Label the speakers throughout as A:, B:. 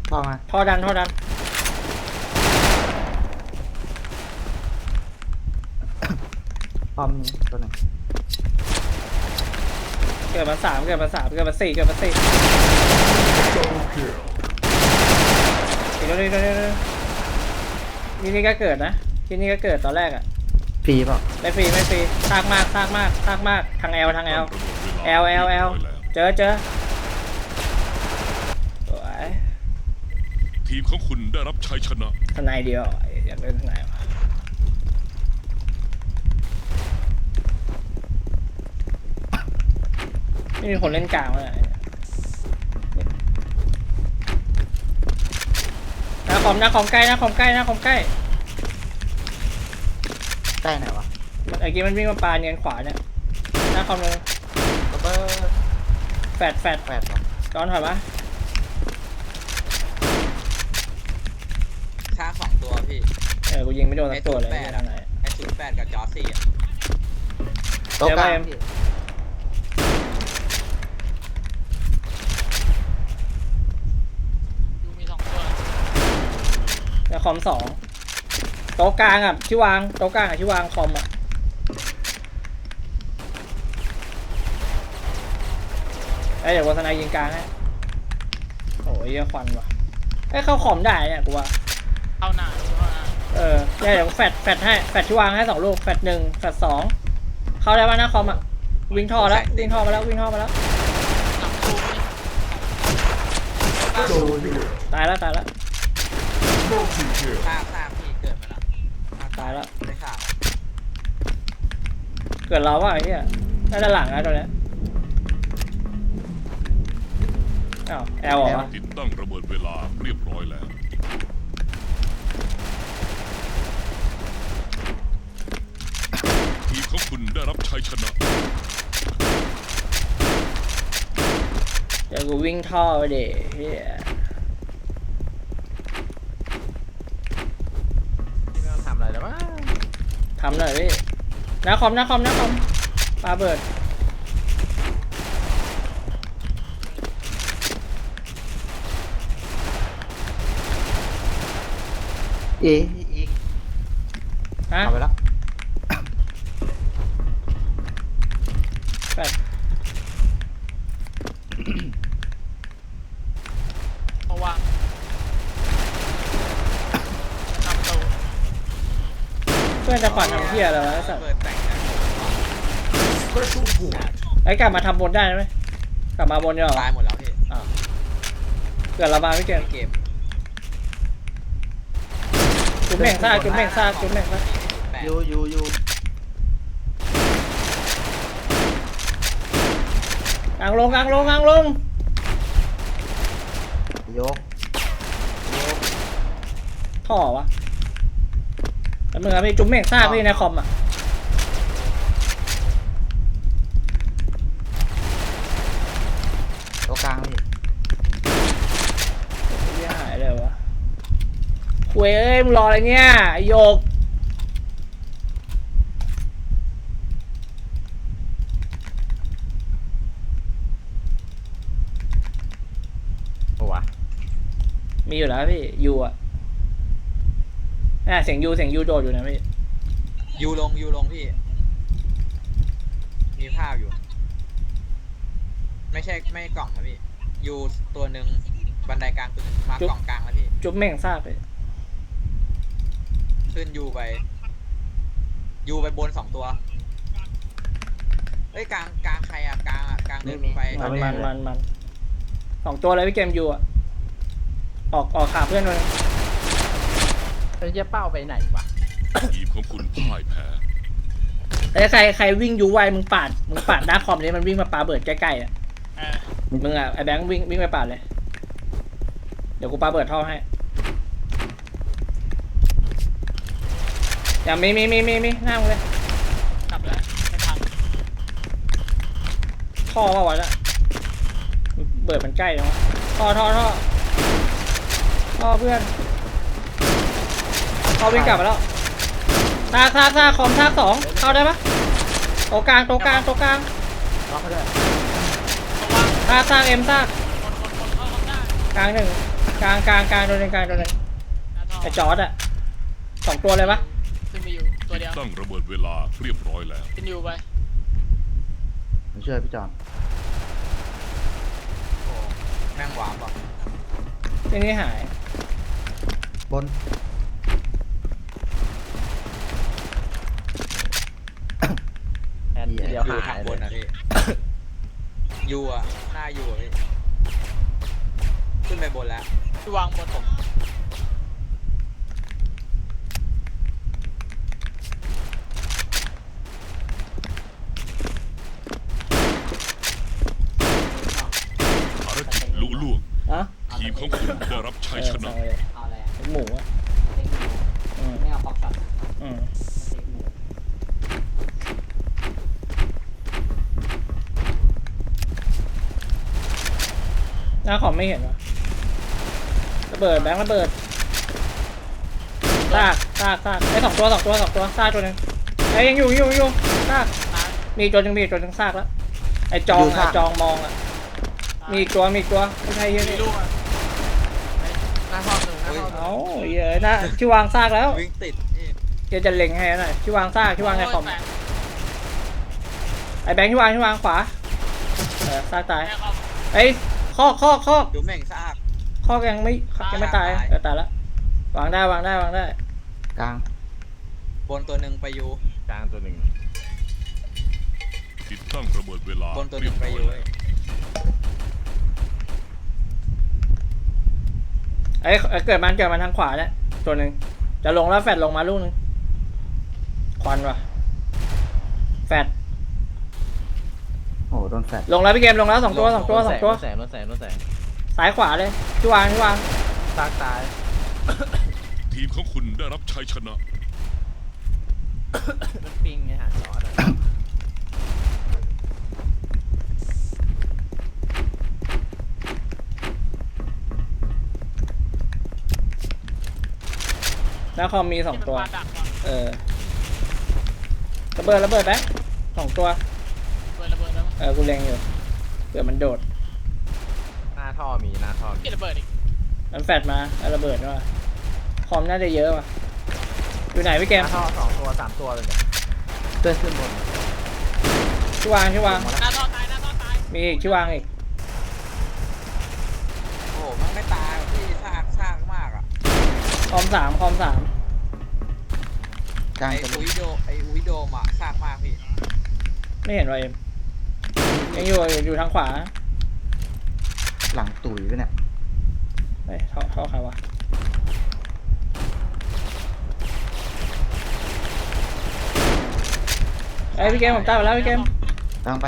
A: ท่อมา
B: ท่อดัน
A: ปอมตัวหนึ่ง
B: เกิดมา3เกิดมา4เกิดมา4อีกนี่ก็เกิดนะที่นี่ก็เกิดตอนแรกอ่ะ
A: ฟรีเปล่า
B: ไม่ฟรีซากมากทางแอลเจอสวย
C: ทีมของคุณได้รับชัยชนะ
B: ทนายเดียวอยากเล่นทนายวะไม่มีคนเล่นกลางเลยหน้าคอมใกล้
A: ใกล้ไหนวะ
B: เมื่อกี้มันวิ่งมาปาเนียนขวาเนี่ยหน้าคอมเลย
A: ระเบิด
B: แฟด
A: แปดเหรอ
B: ย้อนถอยมา
D: ฆ่า2 ตัวพี่
B: กูยิงไม่โดนสักตัวเลยไม่ทำไหน
D: ไอ้08กับจอร์ซี่อ่ะ
A: โต๊ะกลาง
B: เดี๋ยวไป
A: พี่
E: ดูมี2 ตัว
B: หน้าคอม2โต๊ะกลางอ่ะที่วางโต๊ะกลางอ่ะที่วางคอมอ่ะเดี๋ยววัฒนายยิงกลางให้โอ้ยควันว่ะเข้าคอมได้เนี่ยกูว่า
E: เข้าหน้า
B: เนี่ยเดี๋ยวแฟดให้แฟดที่วางให้2 ลูกแฟด1แฟด2เข้าได้ป่ะหน้าคอมอ่ะวิ่งท่อมาแล้ว
E: หลังตู้นี่
B: ตายแล้ว
D: ฆ่าพี่เกิดมาแล้ว
B: ตายแล้ว
D: ได้ข่าว
B: เกิดเราว่าไอ้เนี่ยน่าจะหลังนะตัวเนี้ยอ้าวแอลเหรอ
C: ติดตั้งระเบิดเวลาเรียบร้อยแล้ว ทีมของคุณได้รับชัยชนะ
B: เดี๋ยวกูวิ่งท่อไปเดี๋ยวเฮีย
A: พี่ไม่ต้องทำอะไรแล้วมั้ง
B: ทำหน่อยพี่หน้าคอมปาเบิร์ด
A: อีก
B: ฮะ
A: เอาไปแล้ว
B: แฟด
E: มาวางทำตู้
B: เพื่อนจะขวัญทำเฮียอะไรวะไอ้สัส
D: เปิดแต่งนะ
B: กลับมาทำบนได้ไหมกลับมาบนเนี่ยเหรอ
D: ตายหมดแล้วพี่
B: เกิดระบาดไม่เกิน
D: เกม
B: จุ๊บแม่งซาก
D: 8
A: อยู่
B: กลางลง
A: ยก
B: ท่อวะแล้วมึงอะพี่จุ๊บแม่งซากพี่ในคอมอ่ะ
A: โต๊ะกลางพี่
B: เฮียหายเลยวะคุยมึงรออะไรเนี่ยไอ้โยก
A: โอ้วะ
B: มีอยู่แล้วพี่ยูอ่ะเสียงยูโดดอยู่นะพี่
D: ยูลงพี่ มีภาพอยู่ ไม่กล่องนะพี่ยูตัวหนึ่งบันไดกลางตัวหนึ่งมากล่องกลางแล้วพี่
B: จุ๊บแม่งซากเลย
D: ขึ้นยูไปบน2 ตัวเอ้ยกลางใครอ่ะกลางเดินไป
B: มัน2 ตัวเลยพี่เกมยูอ่ะออกขาเพื่อนเลย
A: เป็นเจ๊เป้าไปไหนวะ
C: ทีมของคุณพ่ายแพ้
B: ใครวิ่งยูไวมึงปาดหน้าคอมนี้มันวิ่งมาปาเบิร์ดใกล้ๆอ่ะมึงอ่ะไอ้แบงค์วิ่งไปปาดเลยเดี๋ยวกูปาเบิร์ดท่อให้อย่ามีหน้ามึงเลย
E: กลับแล้วไม่ทัน
B: ท่อว่าวะเนี่ยเบิร์ดมันใกล้แล้วท่อเพื่อนท่อวิ่งกลับมาแล้วซากคอมซาก2เข้าได้ปะโต๊ะกลาง
A: ล็อกเขาด้วย
E: ระวัง
B: ซากเอ็มซาก
E: คนเข้าข้างหน้าก
B: ลาง1 กลางตัวหนึงกลางตัวหนึง
E: หน้าท่อ
B: ไอ้จอร์ดอะ2ตัวเลยปะ
E: ขึ้นไปอยู่ตัวเดียว
C: ตั้งระเบิดเวลาเรียบร้อยแล้ว
E: ขึ้นอยู่ไป
A: ผมช่วยพี่จอน
D: โอ้แม่งหวานป่ะ
B: ที่นี่หาย
A: บน แอนเดียว
D: อยู่
A: หา
D: ทาง
A: ย
D: บ
A: เล
D: น
A: ย
D: นะพี่ยูอ่ะหน้ายูอ่ะพี่ขึ้นไปบนแล้ว
E: ที่วางบนผม
C: ภารกิจลุล่วง
B: อะ
C: ทีมของคุณได้รับชัยชนะ
F: เอาอะไร
B: เป็นหมูอะ
F: เต็กหมู
B: อืม
F: ไม่เอาป๊อปช็อต
B: อืม
F: เต็กหมู
B: หน้าคอมไม่เห็นวะระเบิดแบงค์ระเบิดซากไอ้สองตัวซากตัวหนึงไอ้ยังอยู่ซาก
E: ซ้าย
B: มีอีกตัวหนึงซากแล้วไอ้จองมองอะมีอีกตัวไม่ใช่เหี้ย
E: มี
B: นี่
E: ลูกอ่ะ
A: หน้าท่อหนึ่งหน้าท่อหนึ่ง
B: เอ้าเหี้ยอะนะที่วางซากแล้ว
D: วิ่งติดนี่
B: เดี๋ยวจะเล็งให้หน่อยที่วางซากที่วางในคอม
E: โยแตก
B: ไอ้แบงค์ที่วางขวาซากตาย
E: แตกออก
B: ไอ้ข้อ
D: ดูแม่งซาก
B: ข้อยังไม่ตายตายแล้ววางได้
A: กลาง
D: บนตัวหนึ่งไปยู
A: กลางตัวหนึ่ง
C: ติดตั้งระเบิดเวลา
D: บนตัวห
C: เรี
D: นึ่
C: ย
D: ง
C: บ
D: ไป
C: ร้อย
D: ยู
C: แล้ว
B: ไอ้เกิดมันทางขวาเนี่ยตัวหนึ่งจะลงแล้วแฟดลงมาลูกนึงควันว่ะแฟด
A: โอ้โหโดนแฟด
B: ลงแล้วพี่เกมลงแล้วสองตัว
A: แสงโดนแสง
B: ซ้ายขวาเลยที่วาง
A: ซากตาย
C: ทีมของคุณได้รับชัยชนะ
A: มันปิงไงฮะจอร์ดอะ
B: หน้าคอมมีสอง
E: ที่มัน
B: ตัว
E: ปาดักก่อน
B: ระเบิดไหมสองตัว
E: ระเบิดแล้ว
B: กูเล็งอยู่เผื่อมันโดด
A: หน้าท่อมีหน้าท่อมี
E: ที่ระเบิดอีก
B: มันแฟดมาแล้วระเบิดว่ะคอมน่าจะเยอะว่ะอยู่ไหนพี่เก
A: ห
B: ม
A: น้าท่อ2 ตัว 3 ตัวเลยเนี่ยเพื่อนขึ้นบน
B: ที่วาง
E: หน้าท่อตาย
B: มีอีกที่วางอีก
D: โอ้โหมันไม่ตายว่ะพี่ซากมากอ่ะ
B: คอมสาม
A: กลาง
D: ไอ้
A: ตัวห
D: อุ
A: นึ่ง
D: ยโดมอ่ะซากมากพี่
B: ไม่เห็นว่ะเอ็มยังอยู่ทางขวา
A: หลังตุ๋ยไปเนี่ย
B: เฮ้ยท่อใครวะไอ้ยพี่เกมผมตายไปแล้วพี่เกม
A: กลางไป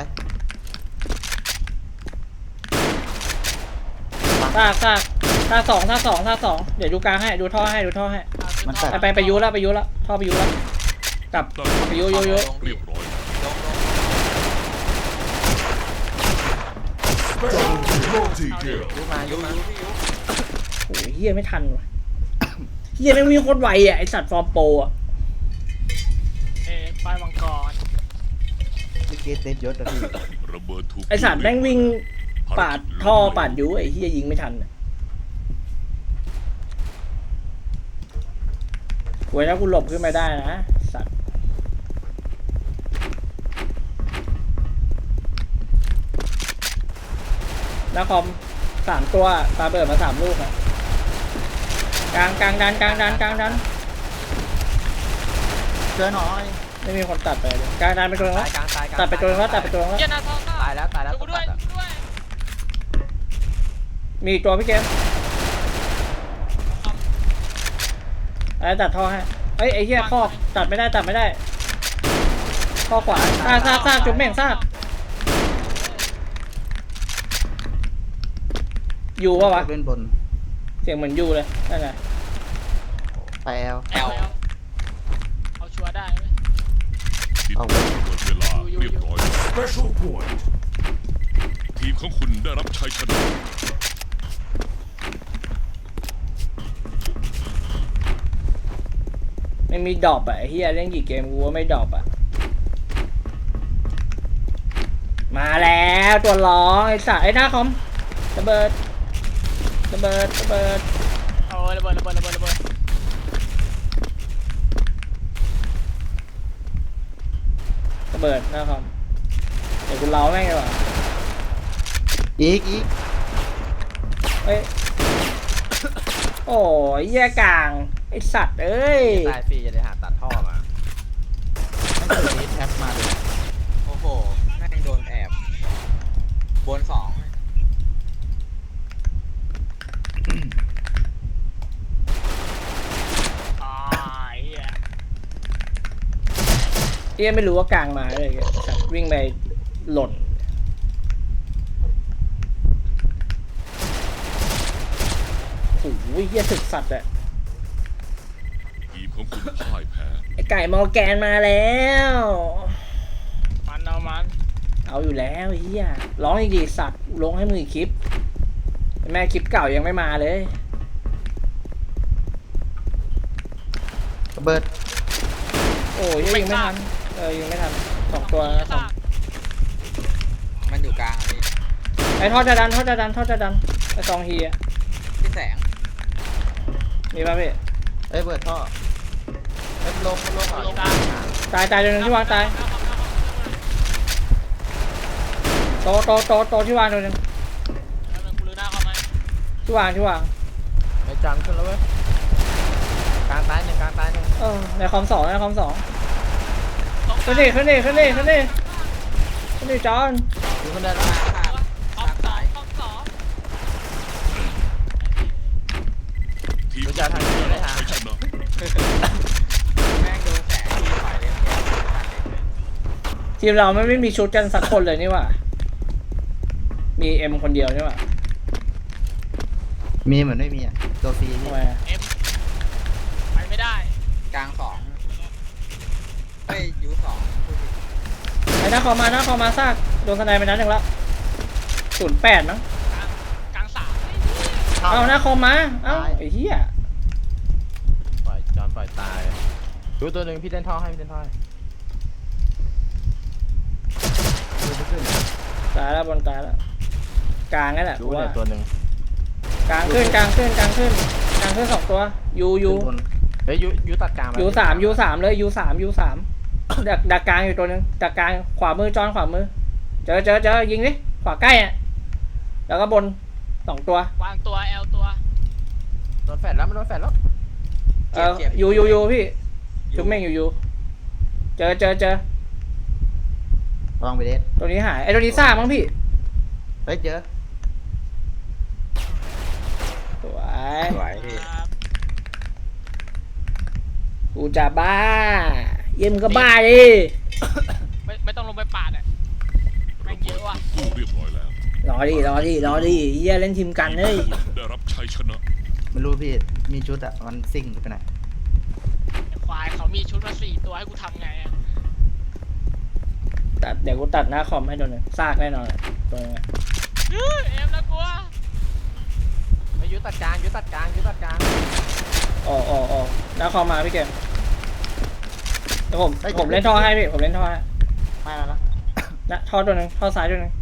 B: ซากสองเดี๋ยวดูกลางให้ดูท่อให้
A: มันแฟด
B: ไปยุแล้วท่อไปยุแล้วกลับ
C: ตั้ง
B: ไปยุ
C: เรียบร้อยแล้ว
D: ลง
A: ยุบมายุ
D: ยู
A: บมา
D: พี่ยู
B: โอ้ยเฮียไม่ทันว่ะเฮียไม่งวิ่งโคตรไวอ่ะไอสัตว์ฟอร์มโปรอ่ะ
E: ป้ายมังกร
A: เมื่อกี้เต็มยศอะพี่
C: ระเบิดถูก
B: ไอสัตว์แม่งวิ่งปาดท่อปาดยุไอเฮียยิงไม่ทันอะเว้ยถ้ากูหลบขึ้นมาได้นะสัตว์แล้วคอม3 ตัวปาเบิดมา3 ลูกอ่ะกลางดัน
A: ช่วยหน่อย
B: ไม่มีคนตัดไปเลยกลางดันไปตัวนึง
A: ตา
B: แล้
A: ยว กลางตายกลาง
B: ตัดไปตัวนึงแล้ว
E: เหี้ยหน้าท่อ
A: ตายแล้วตายแล้ว
E: ช่วยกูด้วย
A: ตัดอะ
E: ช่วยกูด้วย
B: มีอีกตัวพี่เกมอะไรตัดท่อให้เฮ้ยไอ้เหี้ยข้อตัดไม่ได้ข้อขวาซากจุ๊บแม่งซากอยู่ปะวะ
A: เล่นบน
B: เสียงเหมือนอยู่เลยนั่นแหละ
A: ไปแอล
E: แอลเอาชัวร์ได้ไหม
C: ติดตั้งระเบิดเวลาเรียบร้อยแล้วทีมของคุณได้รับชัยชนะ
B: ไม่มีดรอปอ่ะไอ้เหี้ยเล่นกี่เกมกูว่าไม่ดรอปอ่ะมาแล้วตัวร้องไอ้สัตว์ไอ้หน้าคอมระเบิดระเบิดระเบิด
E: โอ้ยระเบิดระเบิดระเบิดระเบิด
B: ระเบิดนะครับเดี๋ยวกูเล้าแม่งดีกว่า
A: อีก
B: เอ้ยโอ้ยแย่กลางไอสัตว์เอ้ย
F: ตายฟรีจะได้หาตัดท่อมา
A: ไม่เคยนี้แท็บมาเลย
D: โอ้โหแม่งโดนแอบบนสอง
E: ตายอ่ะ
B: เอี้ยไม่รู้ว่ากลางมาเลยสัตว์วิ่งไปหล่นโอ้ยเหี้ยถึกสัตว์อะ
C: ทีมของคุณพ่ายแพ้
B: ไอไก่มอร์แกนมาแล้ว
E: มันเอามัน
B: เอาอยู่แล้วไอ้เฮียร้องอีกดีสัตว์ลงให้มึงอีกคลิปแม่คลิปเก่ายังไม่มาเลย
A: ระเบิด
B: โอ้ยยังไม่ทันยังไม่ทันสองตัวสอง
D: มันอยู่กลางอะพี่
B: ไอทอดจะดันทอดจะดันทอดจะดันไอซองฮีอะ
D: พี่แสง
B: มีป่ะพี่
A: เอ้ยเบิดท่อเอ้ยลงเหรอ
E: ลงกลาง
B: ตายตัวหนึงที่วางตายโตที่วางตัวหนึง
E: แล้วมันกูลือหน้าเข้ามา
B: ที่วาง
F: ไอ้จังขึ้นแล้วเว้ยกลางตายหนึ่งกลางตายหนึ่ง
B: ในคอมสอง
E: ตรงก
B: ขึ้
E: ลาน ง
B: ดิขึ้นดิจอน
F: อยู่คนเดียวแล้ว
E: ห้องสองห้องสอง
C: ทีมของคุณได้รับชัยชนะ
D: แม่งโดนแสงทีฝ่ายเลี้ยงแย่ตัดเด็กเลย
B: ทีมเราไม่มีชุดกันสักคนเลยนี่หว่ามีเอ็มคนเดียวนี่หว่า
A: มีเหมือนไม่มีอ่ะตัวฟรี
B: ทำ
A: พี่
B: ไมอะ
E: เอ็มไปไม่ได้
D: กลางสองเฮ้ยยูสองพูดผิด
B: ไอ้หน้าคอมาซากโดนสไนไปนัดหนึ่งแล้ว08มั้ง
E: กลางสาม
B: เอาหน้าคอมมาเอ้าไอ้เหี้ย
F: ปล่อยจอนปล่อยตายดูตัวหนึ่งพี่เล่นท่อให้พี่เล่นท่อให้
B: ตายแล้วบนตายแล้วกลางนั่นแหละ
F: ดู
B: กู
F: เล
B: ว่าย
F: ตัวหนึ่ง
B: กลางขึ้นสองตัวยู
A: ขึ้นบน
F: เฮ้ยยูตัดกลาง
B: ยูสามเลยยูสามดักกลางอยู่ตัวหนึงดักกลางขวามือจอนขวามือเจอยิงดิขวาใกล้อ่ะแล้วก็บนสองตัว
E: วางตัวแอลตัว
F: โดนแฟดแล้วมันโดนแฟดแล้ว
B: ยูพี่ชุบแม่งยูเจอ
A: ลองไปเด็ด
B: ตัวนี้หายไอ้ตัวนี้ซ่ากมั้งพี่
A: เฮ้ยเจอ
B: สวย
D: สวยพี่
E: ครับ
B: กูจะบ้าเยี่ยมก็บ้าดิ
E: ไม่ต้องลงไปปาดอ่ะแม่งเยอะว่ะ
C: กู้เรียบร้อยแล้ว
B: รอดิเยี่ยเล่นทีมกันเฮ้ย
C: ได้รับชัยชนะ
A: ไม่รู้พี่มีชุดอ่ะมันซิ่งไปไหน
E: ไอ้ควายเขามีชุดมา4 ตัวให้กูทำไงอ่ะ
B: เดี๋ยวกูตัดหน้าคอมให้ตัวหนึงซากแน่นอนอะตัวนึงอะ
E: เอ็มนะกลัว
F: เฮ้ยยูตัดกลาง
B: อ๋อหน้าคอมมาพี่เกมเดี๋ยวผมเล่นท่อให้พี่ผมเล่นท่อให้
A: ไม่แล้วนะ
B: นะท่อตัวหนึงท่อซ้ายตัวหนึง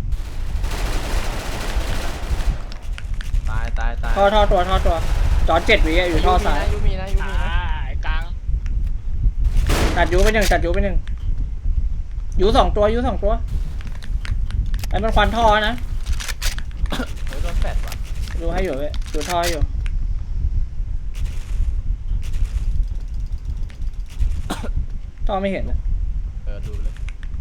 F: ตาย
B: ท่อตัวจอ7 วิอะอยู่ท่อซ้าย
F: ยูมีนะ
E: ไอ้กลาง
B: ตัดยูไปหนึ่งยูสองตัวไอ้มันควันท่อนะ
F: เฮ้ยโดนแฟดว่ะ
B: ดูให้อยู่เว้ยดูท่อให้อยู่ท่อไม่เห็นนะ
F: ดูเลย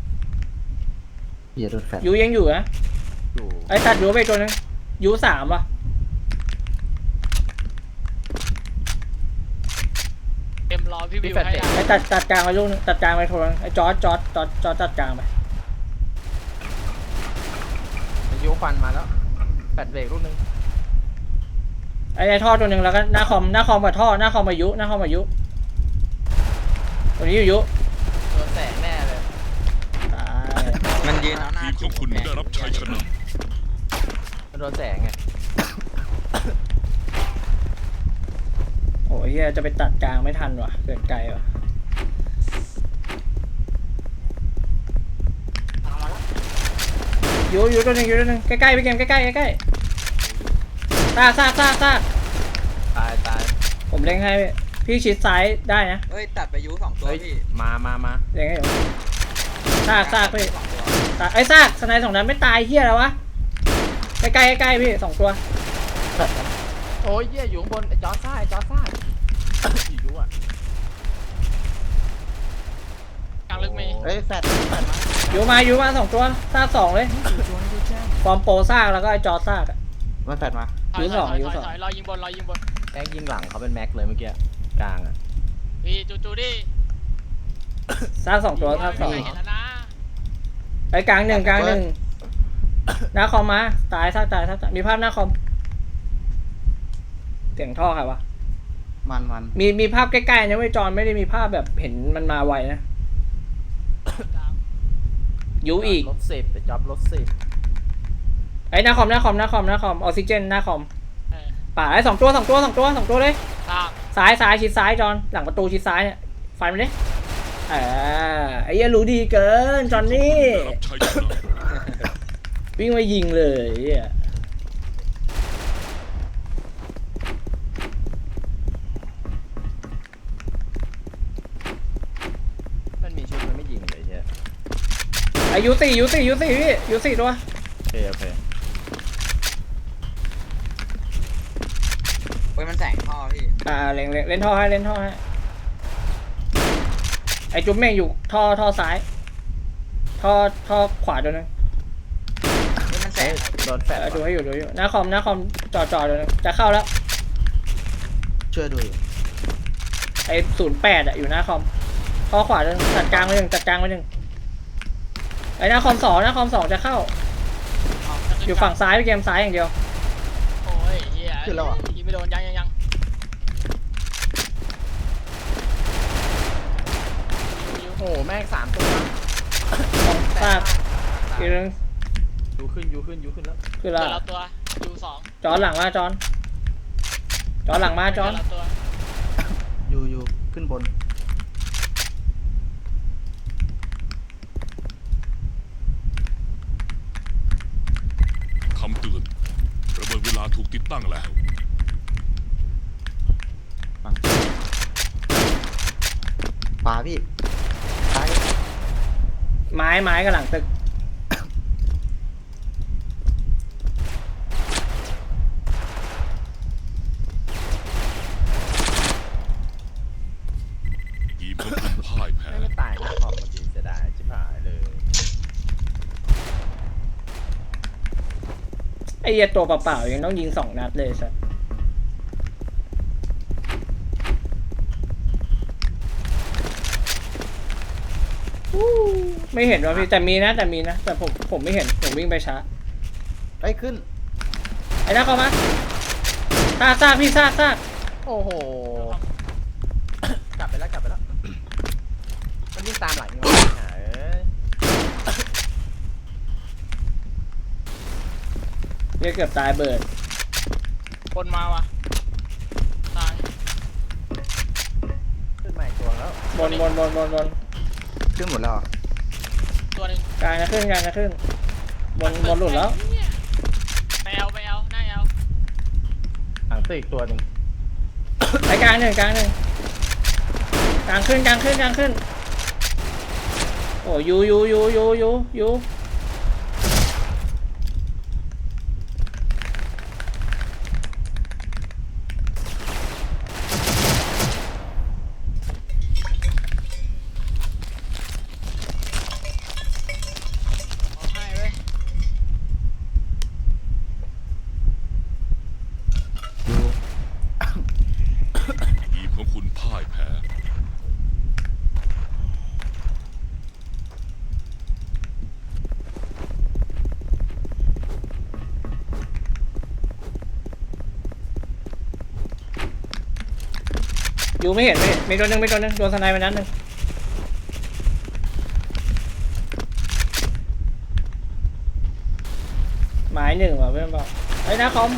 A: พี่จะโดนแฟด
B: ยูยังอยู่นะ
F: อยู่
B: ไอ้ตัดยูไปตัวหนึงยู3ว่ะ
E: เอ็มรอพี่วิวให้ได้
B: ไอ้ตัดกลางไปลูกนึงตัดกลางไปโทนไอ้จอร์จตัดกลางไป
F: ยูควันมาแล้วแฟดเบรกลูกนึง
B: ไอ้ท่อตัวหนึ่งแล้วก็หน้าคอมกับท่อหน้าคอมอายุตัวนี้อยู่ยุ
F: โดนแสงแน่เลย
B: ตาย
D: มันยืนเอาหน้า
C: ทีมของคุณได้รับชัยชนะ
F: มันโดนแสงไง
B: โอ้ยเหี้ยจะไปตัดกลางไม่ทันว่ะเกิดไกลว่ะยูตัวหนึ่งใกล้ๆพี่เกมใกล้ซาก
F: ตาย
B: ผมเล็งให้พี่ชิดซ้ายได้นะ
D: เอ้ยตัดไปยู2ตัว
F: เฮ้ย
D: พี่
F: มา
B: เล็งให้อยู่ซากพี่
D: 2ตัว
B: ไอ้ซากสไนด์2นัดไม่ตายเฮียแล้ววะใกล้พี่2ตัว
F: โอ้ยเหี้ยอยู่ข้างบนไอ้จอร์ซ่าอีรู้อ่ะ
E: กลางลึกมี
A: เฮ้ยแฟดมา
B: อยู่มา2ตัวซาก2เลยฟอร์มโปรซากแล้วก็ไอ้จอซากอะ
A: มาแฟดมา
E: ถอย
B: ยูสอง
E: ถอยรอยิงบน
F: แม็กยิงหลังเขาเป็นแม็กเลยเมื่อกี้กลางอ่ะ
E: พี่จูดิ
B: ซาก2ตัวซาก
E: ไม่เห็นแล้วนะ
B: ไอ้กลางหนึ่งหน้าคอมมาตายซากมีภาพหน้าคอมเสียงท่อใครวะ
A: มัน
B: มีภาพใกล้ๆนะเว้ยจอนไม่ได้มีภาพแบบเห็นมันมาไวนะยูอีก
F: รถ10แต่จ็อบรถ10
B: ไอ้หน้าคอมออกซิเจนหน้าคอม
E: เออ
B: ป่าไอ้2ตัวเลย
E: สร้าง
B: ซ้ายชิดซ้ายจอนหลังประตูชิดซ้ายเนี่ยฟันมันดิไอ้เหี้ยรู้ดีเกินจอนนี่
C: ได้รับชัยชนะ
B: วิ่งมายิงเลยไอ้เหี้ย
F: มันมีชุดมันไม่ยิงเลยใช่ไหม
B: ไอ้ยูสี่พี่ยูสี่ตัว
F: โอเค
D: เฮ้ยมันแสงท่อพี่
B: เล่นท่อให้ไอ้จุ๊บเม่งอยู่ท่อซ้ายท่อขวาตัวนึง
D: เฮ้ยมันแสง
F: โดนแฟด
B: ดูให้อยู่หน้าคอมจอตัวนึงจะเข้าแล้ว
A: ช่วยดูอยู่
B: ไอ้08อะอยู่หน้าคอมท่อขวาตัวนึงตัดกลางไว้หนึ่งไอ้หน้าคอม2จะเข้าอยู่ฝั่งซ้ายเกมซ้ายอย่างเดียว
E: โอ้ยเฮียยิงไม่โดนยัง
F: โอ้โหแม่ง3ตัว
B: ซากอีกนึง
F: ยูขึ้นแล้ว
B: คือ
E: เจ
B: ละ
E: อเราตัวยู2
B: จอนหลังมาจอนหลังมาจอน
E: เจอเราตัว
A: อยู่ขึ้นบน
C: คำเตือนระเบิดเวลาถูกติดตั้งแล้ว
A: ฝั่งขวาพี่ซ้าย
B: ไม้กับหลังตึก
C: ทีมของคุณพ่ายแพ้
F: ไม่ตายนะขอบมันดีจะได้ชิบหายเลย
B: ไอ้เหี้ยตัวเปล่าๆยังต้องยิง2 นัดเลยสัสไม่เห็นว่าพี่แต่มีนะแต่ผมไม่เห็นผมวิ่งไปช้า
A: เฮ้ยขึ้น
B: ไอ้หน้าเข้ามาซากพี่ซาก
F: โอ้โหกลับไปแล้วมันวิ่งตามหลังนี่หว่าเอ้ย
B: เรียกเกือบตายเบิร์ด
E: คนมาว่ะตาย
F: ขึ้นมาอีกตัวแล้ว
B: บน
A: ขึ้นหมดแล้วเหรอ
E: ตัวหนึ่ง
B: กลางจะขึ้นบนหลุดแล้ว
E: ไปเอาหน้าเอา
F: หลังตึกอีกตัวหนึ่ง
B: ไอ้กลางหนึ่งกลางขึ้นโอ้ยู
E: เอาให้เว้ย
A: อยู่
C: ทีมของคุณพ่ายแพ้
B: ยูไม่เห็นมีตัวหนึ่งโดนสไนไปนั้นหนึ่งหมาย1ว่ะเพื่อนบอกไอ้หน้าคอม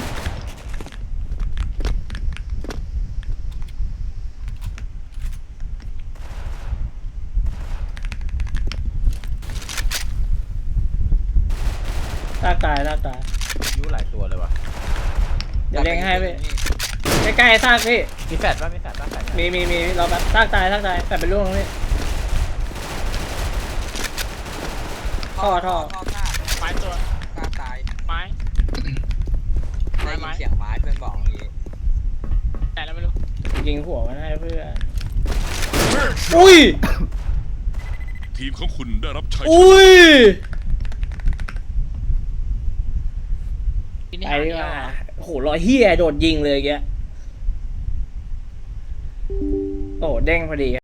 B: ลากตาย
F: ยูหลายตัวเลยว่ะ
B: เดี๋ยวด้งให้พี่ใกล้ๆซากพี่
F: มีแฟดป่ะมีแฟดป่ะแฟด
B: มีเราแบบซากตายแต่เป็นลูกของพี่ท่อ
D: ท่อซาก
E: ไม้ตัว
D: ซากตาย
E: ไม้
D: ได้ยินเสียงไม้เพื่อนบอกเมื่อกี้
E: แต่แล้วไม่รู้
B: ยิงหัวมันให้เพื่อนอุ้ย
C: ทีมของคุณได้รับชัยชนะ
B: อุ้ย
E: ที่นี่
B: ไป
E: หา
B: ดี
E: เดี
B: ก
E: ยว
B: ว่าโอ้โหรอยเฮียโดดยิงเลยแกโอ้เด้งพอดี